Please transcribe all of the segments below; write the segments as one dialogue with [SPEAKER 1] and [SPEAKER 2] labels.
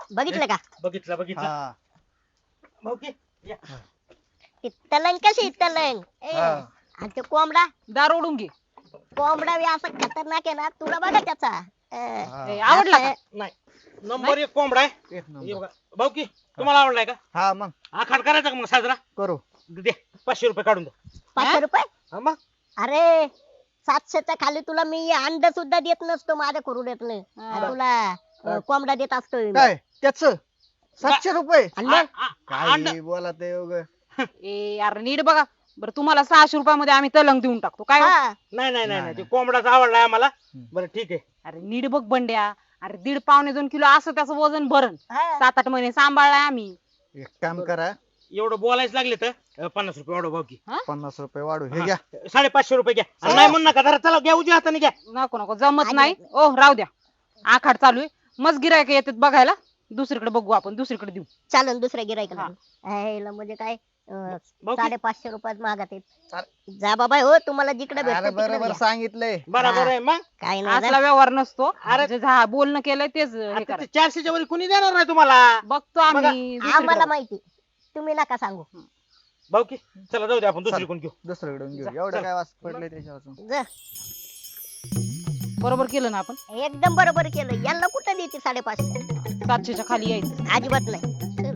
[SPEAKER 1] बघितलं का
[SPEAKER 2] बघितलं बघितलं
[SPEAKER 3] हा
[SPEAKER 2] भाऊ की या.
[SPEAKER 1] ती तलंग कशी तलंग आणि ते कोंबडा
[SPEAKER 4] दार ओढून घे.
[SPEAKER 1] कोंबडा बी असा खतरनाक आहे ना तुला बघा त्याचा
[SPEAKER 4] आवडला का?
[SPEAKER 2] नाही नंबर एक कोंबडा आहे
[SPEAKER 3] एक
[SPEAKER 2] हे
[SPEAKER 3] नंबर
[SPEAKER 2] बघा भाऊ की तुम्हाला आवडलाय का
[SPEAKER 3] हा मग
[SPEAKER 2] आखाड करायचा का मग साजरा
[SPEAKER 3] करू
[SPEAKER 2] दे 500 रुपये काढून दे
[SPEAKER 1] 500 रुपये
[SPEAKER 2] हा मग
[SPEAKER 1] अरे 700च्या खाली तुला मी अंड सुद्धा देत नसतो माझ्या कुरुड्यातलं आणि तुला कोंबडा देत असतो मी.
[SPEAKER 3] काय त्याच 700 रुपये
[SPEAKER 1] आणि मग
[SPEAKER 3] काय बोला ते उग
[SPEAKER 4] ए यार नीट बघा बरं. तुम्हाला 600 रुपयामध्ये आम्ही तलंग देऊन टाकतो काय हो?
[SPEAKER 1] हा,
[SPEAKER 2] नाही नाही नाही
[SPEAKER 3] नाही,
[SPEAKER 2] ते कोंबडाचा आवडलाय आम्हाला
[SPEAKER 3] हम्म.
[SPEAKER 2] बरं ठीक आहे
[SPEAKER 4] अरे नीट बघ बंड्या. अरे 1.5-2 किलो असं त्याचं वजन भरण
[SPEAKER 1] हा.
[SPEAKER 4] 7-8 महिने सांभाळलाय आम्ही.
[SPEAKER 3] एक काम करा
[SPEAKER 2] एवढं बोलायचं लागले तर 50 रुपये वाढव भाऊ की
[SPEAKER 3] 50 रुपये वाढू हे घ्या
[SPEAKER 2] 550 रुपये घ्या आणि नाही म्हणू नका जरा चला घ्या उजव्या हाताने घ्या
[SPEAKER 4] नको नको जमत नाही. ओ राहू द्या. आखाड चालू आहे मग गिरायक येतात बघायला. दुसरीकडे बघू आपण दुसरीकडे देऊ.
[SPEAKER 1] चालन दुसऱ्या गिरायकाला
[SPEAKER 4] हा.
[SPEAKER 1] म्हणजे काय
[SPEAKER 2] भाऊ की
[SPEAKER 1] 550 रुपयात मागत आहेत जा बाबा हो तुम्हाला जिकडे
[SPEAKER 3] अरे
[SPEAKER 1] भेटत
[SPEAKER 3] बरोबर सांगितलंय
[SPEAKER 2] बरोबर आहे मग
[SPEAKER 1] काय नाही
[SPEAKER 4] असला व्यवहार नसतो.
[SPEAKER 2] अरे-
[SPEAKER 4] जे बोलणं केलंय तेच हे
[SPEAKER 2] आता
[SPEAKER 4] करा.
[SPEAKER 2] ते 400च्या वर कुणी देणार नाही तुम्हाला
[SPEAKER 4] बघतो आम्ही
[SPEAKER 1] आम्हाला
[SPEAKER 4] दुसरीकडे.
[SPEAKER 1] माहिती तुम्ही नका सांगू
[SPEAKER 2] भाऊ की चला जाऊ दे आपण दुसरी कोण घेऊ
[SPEAKER 3] दुसरीकडे घेऊ एवढं काय वास पडले त्याच्यापासून
[SPEAKER 1] जा.
[SPEAKER 4] बरोबर केलं ना आपण.
[SPEAKER 1] एकदम बरोबर केलं यांना कुठं देते 550
[SPEAKER 4] 700च्या खाली यायचं.
[SPEAKER 1] अजिबात नाही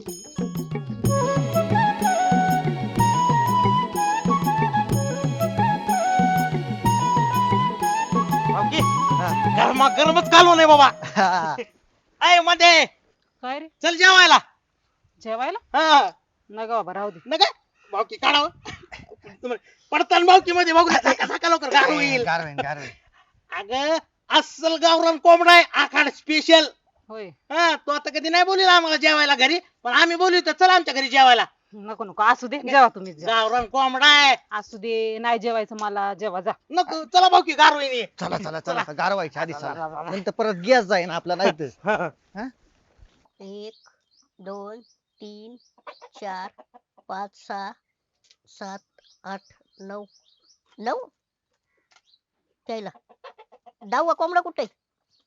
[SPEAKER 2] भाऊ की
[SPEAKER 3] हा.
[SPEAKER 2] गरमा गरमच घालू नये बाबा अय मध्ये
[SPEAKER 4] काय रे
[SPEAKER 2] चल जेवायला
[SPEAKER 4] जेवायला
[SPEAKER 2] हा
[SPEAKER 4] नका बाबा राहू दे.
[SPEAKER 2] नका भाऊ की काढावं तुम्हाला पडताना भाऊ की मध्ये बघू नका सका लवकर गार होईल
[SPEAKER 3] गारवेन
[SPEAKER 2] अगं अस्सल गावरान कोंबडा आहे आखाड स्पेशल
[SPEAKER 4] होय
[SPEAKER 2] हा तो आता कधी नाही बोलला आम्हाला जेवायला घरी पण आम्ही बोलू तर चला आमच्या घरी जेवायला
[SPEAKER 4] नको नको असू दे जेवा तुम्ही जेवा.
[SPEAKER 2] गावरान कोंबडा आहे
[SPEAKER 4] असू दे नाही जेवायचं मला जेवा जा.
[SPEAKER 2] नको चला भाऊ की गार होईल
[SPEAKER 3] चला चला चला गारवायच्या आधी चला नंतर परत गॅस जाईन आपला नाही तर
[SPEAKER 1] 1 2 3 4 5 6 7 8 9 9 त्याला 10वा कोंबडा कुठे आहे?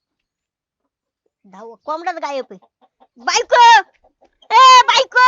[SPEAKER 1] 10वा कोंबडाच गायब आहे बायको ए बायको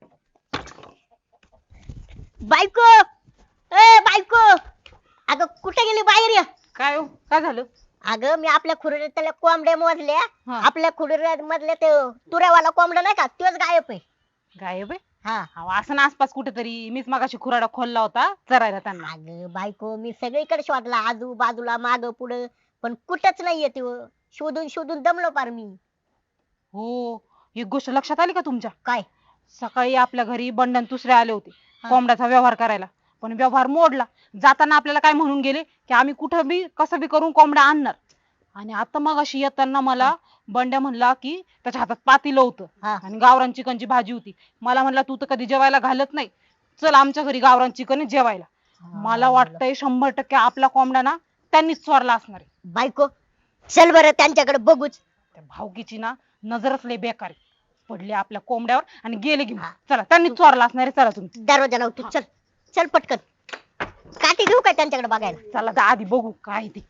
[SPEAKER 1] बायको ए बायको अगं कुठे गेली बाहेर या
[SPEAKER 4] काय हो काय झालं.
[SPEAKER 1] अगं मी आपल्या खुर्ड्यातल्या कोंबड्या मोजल्या
[SPEAKER 4] हा.
[SPEAKER 1] आपल्या खुर्ड्यामधल्या ते तुऱ्यावाला कोंबडा नाही का तोच गायब आहे
[SPEAKER 4] गायब आहे.
[SPEAKER 1] हा
[SPEAKER 4] अहो, असं ना आसपास कुठेतरी मीच मागाशी खुराडा खोलला होता चरायला त्यांना.
[SPEAKER 1] अगं बायको मी सगळीकडे शोधला आजूबाजूला माग पुढे पण कुठंच नाहीये ते शोधून शोधून दमलो पार मी
[SPEAKER 4] हो एक गोष्ट लक्षात आली का तुमच्या.
[SPEAKER 1] काय
[SPEAKER 4] सकाळी आपल्या घरी बंडन दुसरे आले होते
[SPEAKER 1] हा.
[SPEAKER 4] कोंबड्याचा व्यवहार करायला. पण व्यवहार मोडला. जाताना आपल्याला काय म्हणून गेले की आम्ही कुठं बी कसं बी करून कोंबड्या आणणार. आणि आता मग अशी येताना मला बंड्या म्हणला की त्याच्या हातात पातेलं होतं
[SPEAKER 1] हा.
[SPEAKER 4] आणि गावरान चिकनची भाजी होती. मला म्हणला तू तर कधी जेवायला घालत नाही चल आमच्या घरी गावरान चिकन आहे जेवायला. मला वाटतंय 100% आपला कोंबडा ना त्यांनीच चोरला असणार आहे.
[SPEAKER 1] बायको चल बरं त्यांच्याकडे बघूच
[SPEAKER 4] त्या भावकीची ना नजरच लय बेकार आहे. पडले आपल्या कोंबड्यावर आणि गेले घेऊन.
[SPEAKER 1] हा.
[SPEAKER 4] चला त्यांनीच चोरला असणार आहे. चला तुम्ही
[SPEAKER 1] दरवाजा लाव तू चल चल पटकन काठी घेऊ काय त्यांच्याकडे बघायला
[SPEAKER 4] चला तर आधी बघू काय ते.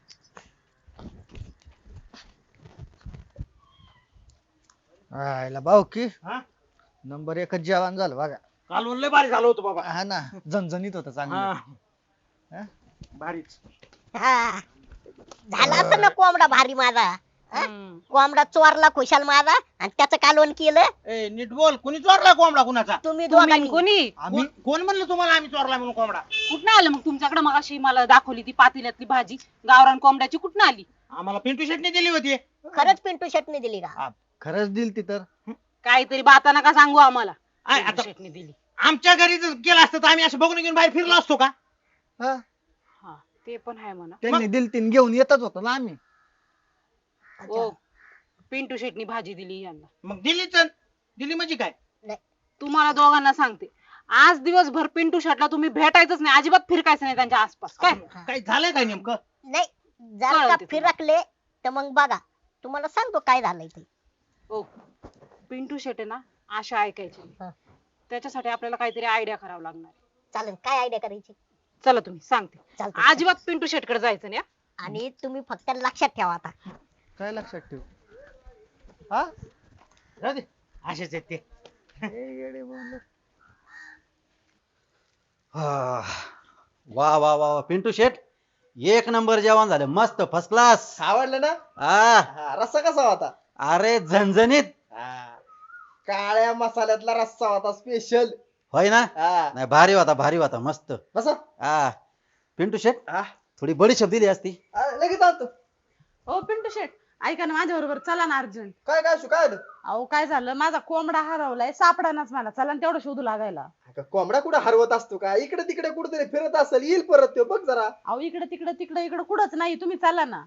[SPEAKER 3] आयला भाऊ की
[SPEAKER 2] हा
[SPEAKER 3] नंबर 1 जेवण झालं बघा
[SPEAKER 2] कालवण लय भारी झालं होतं बाबा
[SPEAKER 3] हा ना झणझणीत होतं
[SPEAKER 2] हा
[SPEAKER 3] चांगलं हा?
[SPEAKER 2] भारीच
[SPEAKER 1] हा झाला असं ना कोंबडा भारी माझा हा?
[SPEAKER 4] हम्म.
[SPEAKER 1] कोंबडा चोरला खुशाल माझा आणि त्याचं कालवण केलं
[SPEAKER 2] ए नीट बोल कुणी चोरला कोंबडा कुणाचा
[SPEAKER 1] तुम्ही
[SPEAKER 4] तुम्ही
[SPEAKER 1] दोघांनी
[SPEAKER 4] कोणी
[SPEAKER 3] आम्ही
[SPEAKER 2] कोण म्हणलं तुम्हाला आम्ही चोरला म्हणून कोंबडा
[SPEAKER 4] कुठनं आलं मग तुमच्याकडे मग अशी मला दाखवली ती पातेल्यातली भाजी गावरान कोंबड्याची कुठनं आली.
[SPEAKER 2] आम्हाला पिंटू शेटने दिली होती
[SPEAKER 1] खरंच पिंटू शेटने दिली का
[SPEAKER 3] खरंच दिल ती तर
[SPEAKER 4] काहीतरी बाता नका सांगू आम्हाला.
[SPEAKER 2] आय, आता
[SPEAKER 4] शेटने दिली.
[SPEAKER 2] आमच्या घरी जर गेला असतं तर आम्ही असं बघून घेऊन बाहेर फिरलो असतो का
[SPEAKER 3] हा
[SPEAKER 4] हा ते पण आहे म्हणा.
[SPEAKER 3] त्यांनी दिल तीन घेऊन येतच होतो ना आम्ही
[SPEAKER 4] ओ पिंटू शेटनी भाजी दिली यांना.
[SPEAKER 2] मग दिलीच दिली म्हणजे काय
[SPEAKER 4] तुम्हाला दोघांना सांगते आज दिवसभर पिंटू शेटला तुम्ही भेटायचंच नाही अजिबात फिरकायचं नाही त्यांच्या आसपास काय.
[SPEAKER 2] काय झालंय काय नेमकं
[SPEAKER 1] नाही जर
[SPEAKER 4] कळलं
[SPEAKER 1] का
[SPEAKER 4] ते
[SPEAKER 1] फिरकले तर मग बघा तुम्हाला सांगतो काय झालंय ते
[SPEAKER 4] ओ पिंटू शेट आहे ना आशा ऐकायची
[SPEAKER 1] हा.
[SPEAKER 4] त्याच्यासाठी आपल्याला काहीतरी आयडिया करावं लागणार.
[SPEAKER 1] चालेल काय आयडिया करायची
[SPEAKER 4] चला तुम्ही सांगते.
[SPEAKER 1] चालतंय.
[SPEAKER 4] अजिबात पिंटू शेटकडे जायचं नाही हा.
[SPEAKER 1] आणि तुम्ही फक्त लक्षात ठेवा आता
[SPEAKER 3] काय लक्षात ठेव हा
[SPEAKER 2] राहू दे. असेच आहेत ते.
[SPEAKER 5] हा. वा वा वा वा. पिंटू शेट एक नंबर जेवण झालं मस्त फर्स्ट क्लास.
[SPEAKER 3] आवडलं ना?
[SPEAKER 5] आ
[SPEAKER 3] रस्सा कसा होता?
[SPEAKER 5] अरे झणझणीत.
[SPEAKER 3] काळ्या मसाल्यातला रस्सा होता स्पेशल.
[SPEAKER 5] होय ना? नाही भारी होता मस्त.
[SPEAKER 3] बसा.
[SPEAKER 5] हा पिंटू शेट
[SPEAKER 3] हा.
[SPEAKER 5] थोडी बडीशेप दिली असती.
[SPEAKER 3] लगेच आणतो.
[SPEAKER 4] हो पिंटू शेट ऐका ना माझ्या बरोबर चला ना अर्जंट.
[SPEAKER 3] काय काय काय आलं?
[SPEAKER 4] अहो काय झालं माझा कोंबडा हरवलाय सापडानाच मला चला ना तेवढं शोधू लागायला.
[SPEAKER 3] कोंबडा कुठं हरवत असतो का? इकडे तिकडे कुठेतरी फिरत असेल, येईल परत तो, बघ जरा.
[SPEAKER 4] अहो इकडे तिकडे कुठंच नाही तुम्ही चला ना.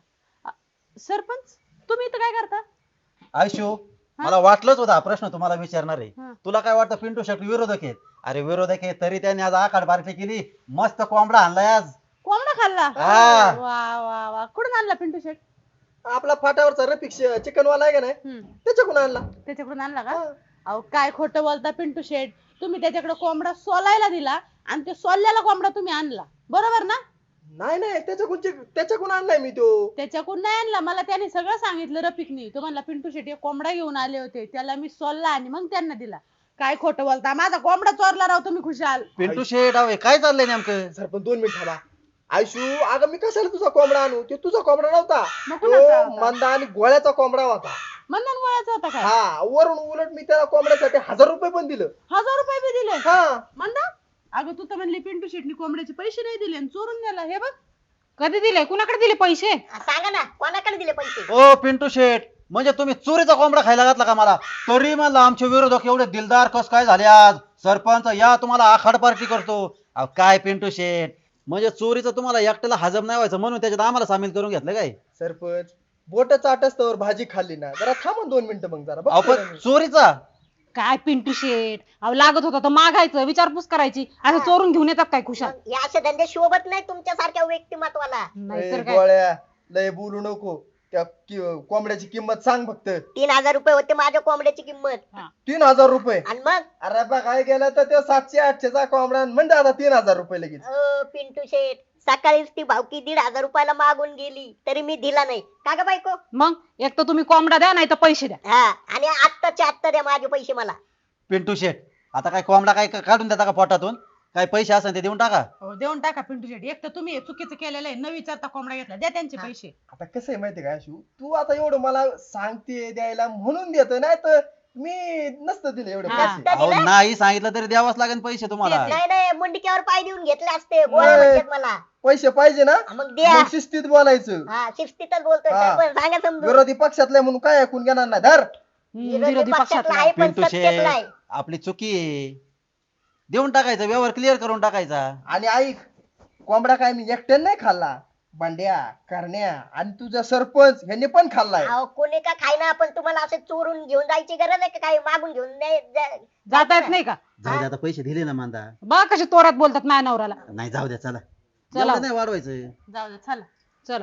[SPEAKER 4] सरपंच तुम्ही इथं काय करता?
[SPEAKER 5] आयशू मला वाटलंच होता हा प्रश्न तुम्हाला विचारणार आहे.
[SPEAKER 4] हा.
[SPEAKER 5] तुला काय वाटतं पिंटू शेट विरोधक आहेत? अरे विरोधक आहेत तरी त्यांनी आज आखाड पार्टी केली. मस्त कोंबडा आणलाय आज.
[SPEAKER 4] कोंबडा खाल्ला?
[SPEAKER 5] हा.
[SPEAKER 4] वा वा वा कुठून आणला पिंटू शेट?
[SPEAKER 3] आपला फाट्यावरचा रफिक चिकन वाला आहे का नाही, त्याच्याकडून आणला.
[SPEAKER 4] त्याच्याकडून आणला का? अहो काय खोटं बोलता पिंटू शेट. तुम्ही त्याच्याकडे कोंबडा सोलायला दिला आणि ते सोललेला कोंबडा तुम्ही आणला बरोबर ना?
[SPEAKER 3] नाही नाही, त्याच्याकडून आणलाय मी तो.
[SPEAKER 4] त्याच्याकडून नाही आणला मला त्याने सगळं सांगितलं रफिकनी. तो म्हणला पिंटू शेट एक कोंबडा घेऊन आले होते त्याला मी सोलला आणि मग त्यांना दिला. काय खोटं बोलता माझा कोंबडा चोरला राव तुम्ही खुशाल.
[SPEAKER 5] पिंटू शेट अहो काय चाललंय नेमकं?
[SPEAKER 3] सर पण 2 मिनिट थांबा. आयशू अगं मी कशाला तुझा कोंबडा आणू? ते तुझा कोंबडा नव्हता,
[SPEAKER 4] मग कुणाचा
[SPEAKER 3] तो
[SPEAKER 4] होता?
[SPEAKER 3] मंदा आणि गोळ्याचा कोंबडा होता.
[SPEAKER 4] मंदन गोळ्याचा होता काय?
[SPEAKER 3] हा, वरून उलट मी त्याला कोंबड्यासाठी 1000 रुपये पण दिलं.
[SPEAKER 4] 1000 रुपये बी दिले?
[SPEAKER 3] हा.
[SPEAKER 4] मंदा अगं तू तर म्हणली पिंटू शेटनी कोंबड्याचे पैसे नाही दिले आणि चोरून नेला. हे बघ कधी दिले कुणाकडे दिले पैसे?
[SPEAKER 1] सांगा ना कोणाकडे दिले पैसे?
[SPEAKER 5] ओ पिंटू शेट म्हणजे तुम्ही चोरीचा कोंबडा खायला घातला का मला? तरी म्हणलं आमचे विरोधक एवढे दिलदार कस काय झाले आज? सरपंच या तुम्हाला आखाड पार्टी करतो. अहो काय पिंटू शेट म्हणजे चोरीचं तुम्हाला एकट्याला हजम नाही व्हायचं म्हणून त्याच्यात आम्हाला सामील करून घेतलं काय?
[SPEAKER 3] सरपंच बोट चाटस्तवर भाजी खाल्ली ना, जरा थांबून 2 मिनिटं मग जरा
[SPEAKER 5] अहो
[SPEAKER 3] बघतो
[SPEAKER 5] पण
[SPEAKER 3] ना मी.
[SPEAKER 5] चोरीचा
[SPEAKER 4] काय पिंटू शेट अहो लागत होता तर मागायचं विचारपूस करायची असं चोरून घेऊन येतात काय खुशाल?
[SPEAKER 1] मग हे असे धंदे शोभत नाही तुमच्यासारख्या व्यक्तिमत्वाला.
[SPEAKER 4] नाहीतर
[SPEAKER 3] ए,
[SPEAKER 4] काय.
[SPEAKER 3] गोळ्या लय बोलू नको. त्या कोंबड्याची किंमत सांग फक्त.
[SPEAKER 1] 3000 रुपये होते माझ्या कोंबड्याची किंमत.
[SPEAKER 3] 3000 रुपये.
[SPEAKER 1] आणि मग
[SPEAKER 3] अरे बा काय गेला तर ते 700-800चा कोंबडा म्हणजे आता 3000 रुपये लगेच.
[SPEAKER 1] पिंटू शेठ सकाळीच ती भावकी 1500 रुपयाला मागून गेली तरी मी दिला नाही का ग बायको?
[SPEAKER 4] मग एक तर तुम्ही कोंबडा द्या नाही तर पैसे द्या.
[SPEAKER 1] हा आणि आत्ताच्या आत्ता द्या माझे पैसे मला.
[SPEAKER 5] पिंटू शेट आता काय कोंबडा काय काढून देता का पोटातून? काय पैसे असेल ते देऊन टाका.
[SPEAKER 4] हो, देऊन टाका पिंटू शेट. एक तर तुम्ही हे चुकीचं केलेलं आहे न विचारता कोंबडा घेतला. द्या त्यांचे पैसे.
[SPEAKER 3] आता कसं आहे माहितीये का शिव, तू आता एवढं मला सांगते द्यायला म्हणून देतो, नाही तर मी नसतं दिले एवढे
[SPEAKER 4] हा.
[SPEAKER 3] पैसे.
[SPEAKER 5] अहो नाही सांगितलं तरी द्यावाच लागेल पैसे तुम्हाला.
[SPEAKER 1] नाही नाही मुंडक्यावर पाय देऊन घेतले असते गोळ्या म्हणतात मला.
[SPEAKER 3] पैसे पाहिजे ना,
[SPEAKER 1] मग द्या.
[SPEAKER 3] मग शिस्तीत बोलायचं.
[SPEAKER 1] हा शिस्तीतच बोलतोय
[SPEAKER 3] हा.
[SPEAKER 1] सरपंच, सांगा समजून.
[SPEAKER 3] विरोधी पक्षातले म्हणून काय ऐकून घेणार नाही. धर.
[SPEAKER 4] विरोधी पक्षातला
[SPEAKER 1] आहे पण
[SPEAKER 5] पिंटू
[SPEAKER 1] सत्यातला आहे.
[SPEAKER 5] शेट आपली चुकी आहे. देऊन टाकायचा व्यवहार क्लिअर करून टाकायचा.
[SPEAKER 3] आणि ऐक, कोंबडा काय मी एकट्याने नाही खाल्ला, बंड्या करण्या आणि तुझा सरपंच ह्यांनी पण खाल्लाय.
[SPEAKER 1] अहो कोणी का खायना पण तुम्हाला असं चोरून घेऊन जायची गरज आहे का? काही मागून घेऊन
[SPEAKER 4] जाता येत नाही का?
[SPEAKER 5] जाऊ दे आता पैसे दिले ना मांदा.
[SPEAKER 4] बघा कसे तोरात बोलतात माझ्या नवऱ्याला.
[SPEAKER 5] नाही जाऊ द्या चला.
[SPEAKER 4] चला.
[SPEAKER 5] एवढं नाही वाढवायचं.
[SPEAKER 4] जाऊ दे चला चला.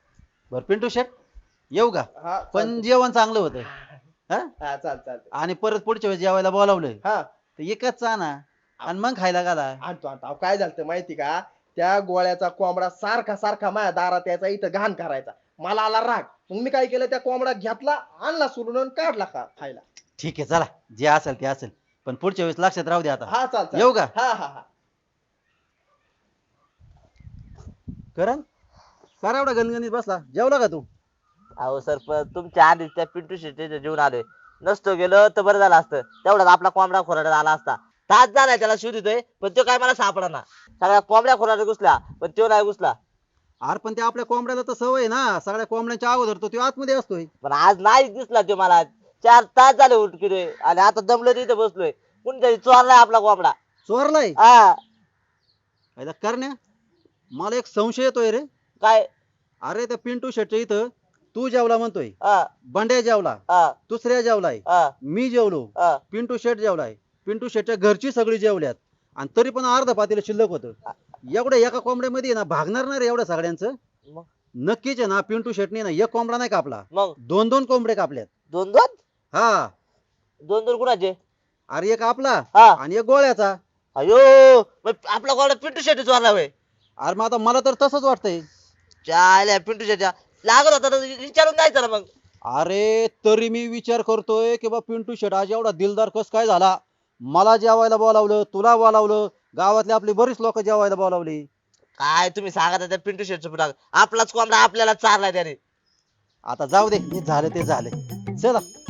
[SPEAKER 5] बर पिंटू शेट येऊ का?
[SPEAKER 3] हा,
[SPEAKER 5] पण जेवण चांगलं होतं. हा?
[SPEAKER 3] हा चाल.
[SPEAKER 5] आणि परत पुढच्या वेळेस जेवायला बोलावलंय
[SPEAKER 3] हा
[SPEAKER 5] तर एकच आणा आणि मग खायला घाला.
[SPEAKER 3] आणतो. अहो, काय झालं माहिती का, त्या गोळ्याचा कोंबडा सारखा माझ्या दारात यायचा, इथं घाण करायचा. मला आला राग. मग मी काय केलं, त्या कोंबडा घेतला, आणला सोडून आणि काढला खायला.
[SPEAKER 5] ठीक आहे चला जे असेल ते असेल पण पुढच्या वेळेस लक्षात राहू दे आता.
[SPEAKER 3] हा चाल.
[SPEAKER 5] येऊ का?
[SPEAKER 3] हा.
[SPEAKER 5] करण करा एवढा गणगणित बसला. जेवला का तू?
[SPEAKER 6] अहो सरपंच तुमच्या आधीच त्या पिंटू शेट्टीच्या जीवन आलोय. नसतो गेलो तर बरं झालं असतं. तेवढाच आपला कोंबडा खोराड्यात आला असता. तास झालाय त्याला शोधितोय पण तो काय मला सापडा. सगळ्या कोंबड्या खोराड्यात घुसला पण तो नाही घुसला.
[SPEAKER 5] अरे पण ते आपल्या कोंबड्याला तर सवय आहे ना, सगळ्या कोंबड्यांच्या अगोदर तो आतमध्ये असतोय.
[SPEAKER 6] पण आज नाही दिसला तो मला. 4 तास झाले उठकिलोय आणि आता दमलो तिथे बसलोय. कुणीतरी चोरलाय आपला कोंबडा.
[SPEAKER 5] चोरलाय
[SPEAKER 6] हा
[SPEAKER 5] काय करण्या? मला एक संशय येतोय रे.
[SPEAKER 6] काय?
[SPEAKER 5] अरे त्या पिंटू शेटच्या इथं तू जेवला म्हणतोय,
[SPEAKER 6] हा
[SPEAKER 5] बंड्या जेवला,
[SPEAKER 6] हा
[SPEAKER 5] दुसऱ्या जेवलाय,
[SPEAKER 6] हा
[SPEAKER 5] मी जेवलो,
[SPEAKER 6] हा
[SPEAKER 5] पिंटू शेट जेवलाय, पिंटू शेटच्या घरची सगळी जेवल्यात आणि तरी पण अर्ध पातेलं शिल्लक होतं. एवढ्या एका कोंबड्यामध्ये ना भागणार नाही रे एवढ्या सगळ्यांचं.
[SPEAKER 6] मग
[SPEAKER 5] नक्कीच आहे ना पिंटू शेटने ना एक कोंबडा नाही कापला,
[SPEAKER 6] मग
[SPEAKER 5] 2 कोंबडे कापल्यात.
[SPEAKER 6] 2
[SPEAKER 5] हा
[SPEAKER 6] 2 कुणाचे?
[SPEAKER 5] अरे एक आपला
[SPEAKER 6] हा
[SPEAKER 5] आणि एक गोळ्याचा.
[SPEAKER 6] अयो मग आपला कोंबडा पिंटू शेट्टी चोरला होय?
[SPEAKER 5] अरे मग आता मला तर तसंच वाटतंय.
[SPEAKER 6] चाल्या पिंटू शेट्टी लागत होता तर विचारून जायचं ना मग.
[SPEAKER 5] अरे तरी मी विचार करतोय की बा पिंटू शेट आज एवढा दिलदार कस काय झाला. मला जेवायला बोलावलं, तुला बोलावलं, गावातली आपली बरीच लोक जेवायला बोलावली.
[SPEAKER 6] काय तुम्ही सांगा त्या पिंटू शेटचं पुढं आपलाच कोंबडा आपल्याला चारलाय त्याने.
[SPEAKER 5] आता जाऊ दे, जे झालं ते झालं. चला